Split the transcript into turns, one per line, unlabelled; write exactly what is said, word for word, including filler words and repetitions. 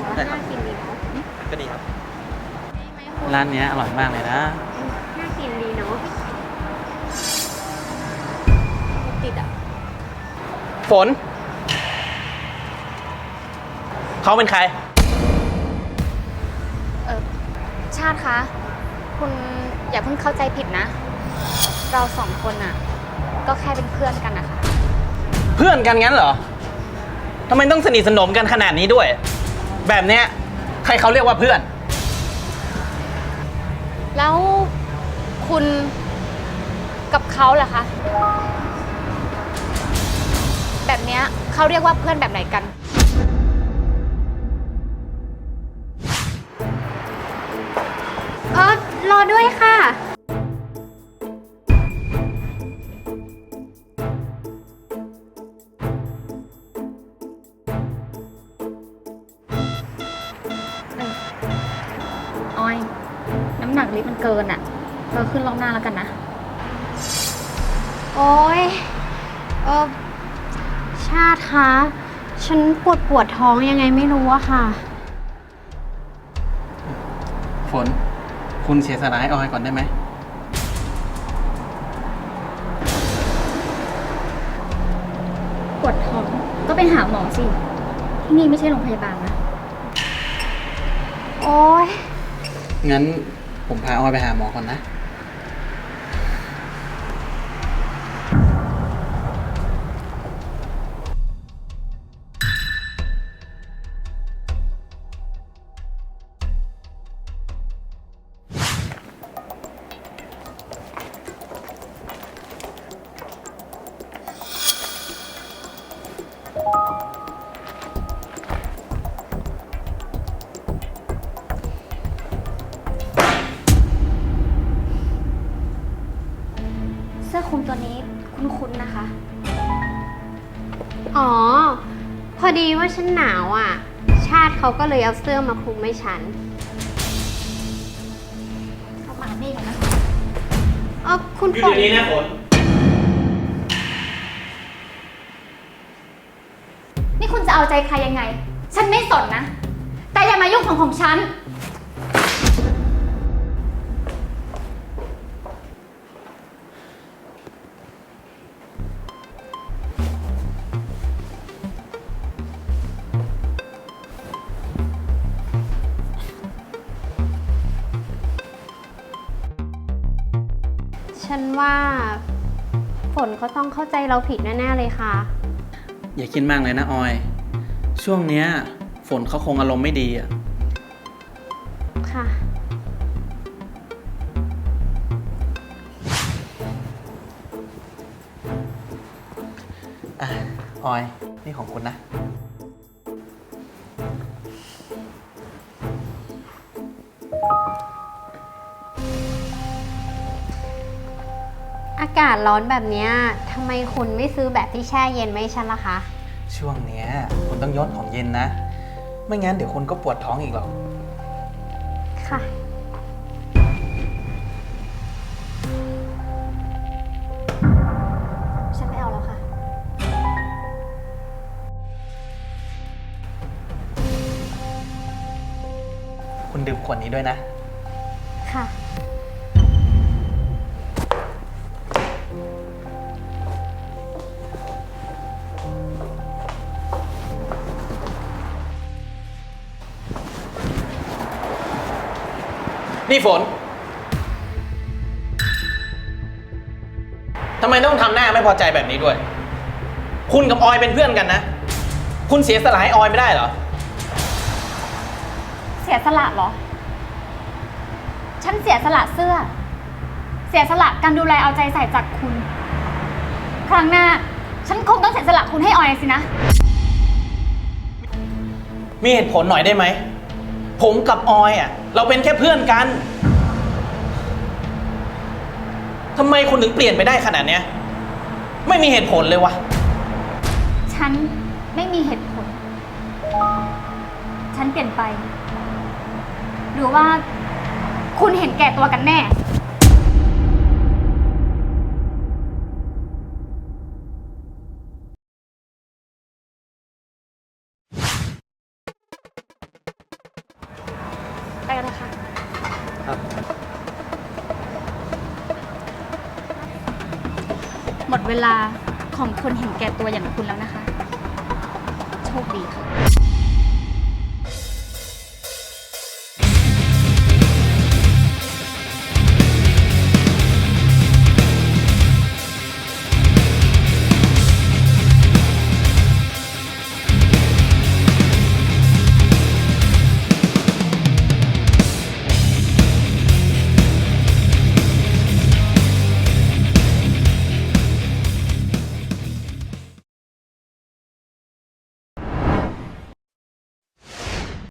ว่าน่ากินดีเนาะ
ก็ดีครับ
ได้ไหมคุณ
ร้านนี้อร่อยมากเลยนะ
น่ากินดีเนาะติดอ่ะ
ฝนเขาเป็นใคร
เออชาติคะคุณอย่าเพิ่งเข้าใจผิดนะ เราสองคนอ่ะก็แค่เป็นเพื่อนกันนะคะ
เพื่อนกันงั้นเหรอทำไมต้องสนิทสนมกันขนาดนี้ด้วยแบบเนี้ยใครเขาเรียกว่าเพื่อน
แล้วคุณกับเขาล่ะคะแบบเนี้ยเขาเรียกว่าเพื่อนแบบไหนกันเออรอด้วยค่ะออยน้ำหนักลิฟต์มันเกินอ่ะเธอขึ้นรอบหน้าแล้วกันนะโอ้ยเออชาติคะฉันปวดปวดท้องยังไงไม่รู้อะค่ะ
ฝนคุณเสียสละให้ออยก่อนได้ไหม
ปวดท้องก็ไปหาหมอสิที่นี่ไม่ใช่โรงพยาบาลนะโอ้ย
งั้นผมพาออยไปหาหมอก่อนนะ
เสื้อคลุมตัวนี้คุ้นๆนะคะ
อ๋อพอดีว่าฉันหนาวอ่ะชาติเขาก็เลยเอาเสื้อมาคลุมให้ฉัน
เอามานี่ก่อนนะ
เออคุณ
อยู่เดี๋ยวนี้นะฝน
นี่คุณจะเอาใจใครยังไงฉันไม่สนนะแต่อย่ามายุ่งของของฉัน
ฉันว่าฝนเขาต้องเข้าใจเราผิดแน่ๆเลยค่ะ
อย่าคิดมากเลยนะออยช่วงเนี้ยฝนเขาคงอารมณ์ไม่ดีอ่ะ
ค่ะ
อ่ะออยนี่ของคุณนะ
อากาศร้อนแบบนี้ทำไมคุณไม่ซื้อแบบที่แช่เย็นไม่ฉันล่ะคะ
ช่วงเนี้ยคุณต้องยดของเย็นนะไม่งั้นเดี๋ยวคุณก็ปวดท้องอีกหรอก
ค่ะ
ฉันไม่เอาแล้วค่ะ
คุณดื่มขวดนี้ด้วยนะ
ค่ะ
นี่ฝนทำไมต้องทำหน้าไม่พอใจแบบนี้ด้วย คุณกับออยเป็นเพื่อนกันนะ คุณเสียสละให้ออยไม่ได้เหรอ
เสียสละเหรอฉันเสียสละเสื้อเสียสละการดูแลเอาใจใส่จากคุณครั้งหน้าฉันคงต้องเสียสละคุณให้ออยสินะ
มีเหตุผลหน่อยได้ไหมผมกับออยอ่ะเราเป็นแค่เพื่อนกันทำไมคุณถึงเปลี่ยนไปได้ขนาดเนี้ยไม่มีเหตุผลเลยวะ
ฉันไม่มีเหตุผลฉันเปลี่ยนไปหรือว่าคุณเห็นแก่ตัวกันแน่กันเถอะค่ะ
ครับ
หมดเวลาของคนเห็นแก่ตัวอย่างคุณแล้วนะคะ โชคดีค่ะ